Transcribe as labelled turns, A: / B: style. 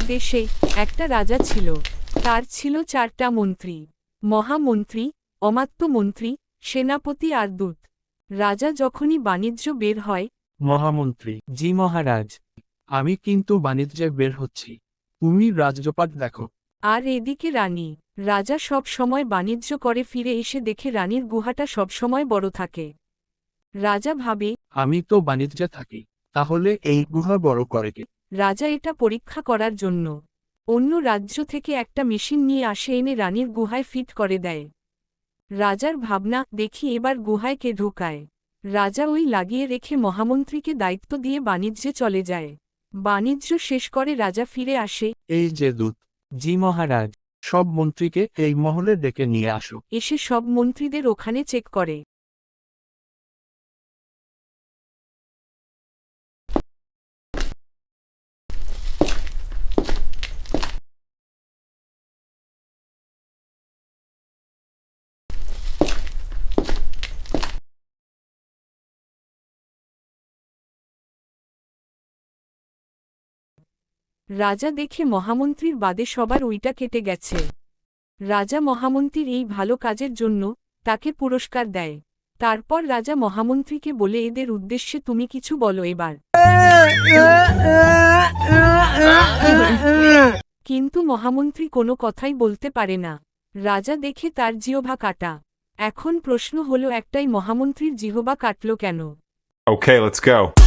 A: দেশে একটা রাজা ছিল। তার ছিল 4টা মন্ত্রী, মহামন্ত্রী, অমাত্য মন্ত্রী, সেনাপতি আর দূত। রাজা যখনই বাণিজ্য বের হয়,
B: মহামন্ত্রী, জি মহারাজ, আমি কিন্তু বাণিজ্যে বের হচ্ছি, তুমি রাজপাট দেখো।
A: আর এদিকে রানী। রাজা সব সময় বাণিজ্য করে ফিরে এসে দেখে রানীর গুহাটা সবসময় বড় থাকে। রাজা ভাবে,
B: আমি তো বাণিজ্যে থাকি, তাহলে এই গুহা বড় করে কে?
A: রাজা এটা পরীক্ষা করার জন্য অন্য রাজ্য থেকে একটা মেশিন নিয়ে আসে, এনে রানীর গুহায় ফিট করে দেয়। রাজার ভাবনা, দেখি এবার গুহায় কে ঢোকায়। রাজা ওই লাগিয়ে রেখে মহামন্ত্রীকে দায়িত্ব দিয়ে বাণিজ্যে চলে যায়। বাণিজ্য শেষ করে রাজা ফিরে আসে।
B: এই যে দূত, জি মহারাজ, সব মন্ত্রীকে এই মহলে ডেকে নিয়ে আসো।
A: এসে সব মন্ত্রীদের ওখানে চেক করে। রাজা দেখে মহামন্ত্রীর বাদে সবার ওইটা কেটে গেছে। রাজা মহামন্ত্রীর এই ভালো কাজের জন্য তাকে পুরস্কার দেয়। তারপর রাজা মহামন্ত্রীকে বলে, এদের উদ্দেশ্যে তুমি কিছু বলো এবার। কিন্তু মহামন্ত্রী কোনো কথাই বলতে পারে না। রাজা দেখে তার জিহ্বা কাটা। এখন প্রশ্ন হলো একটাই, মহামন্ত্রীর জিহ্বা কাটল কেন?
C: Okay, let's go.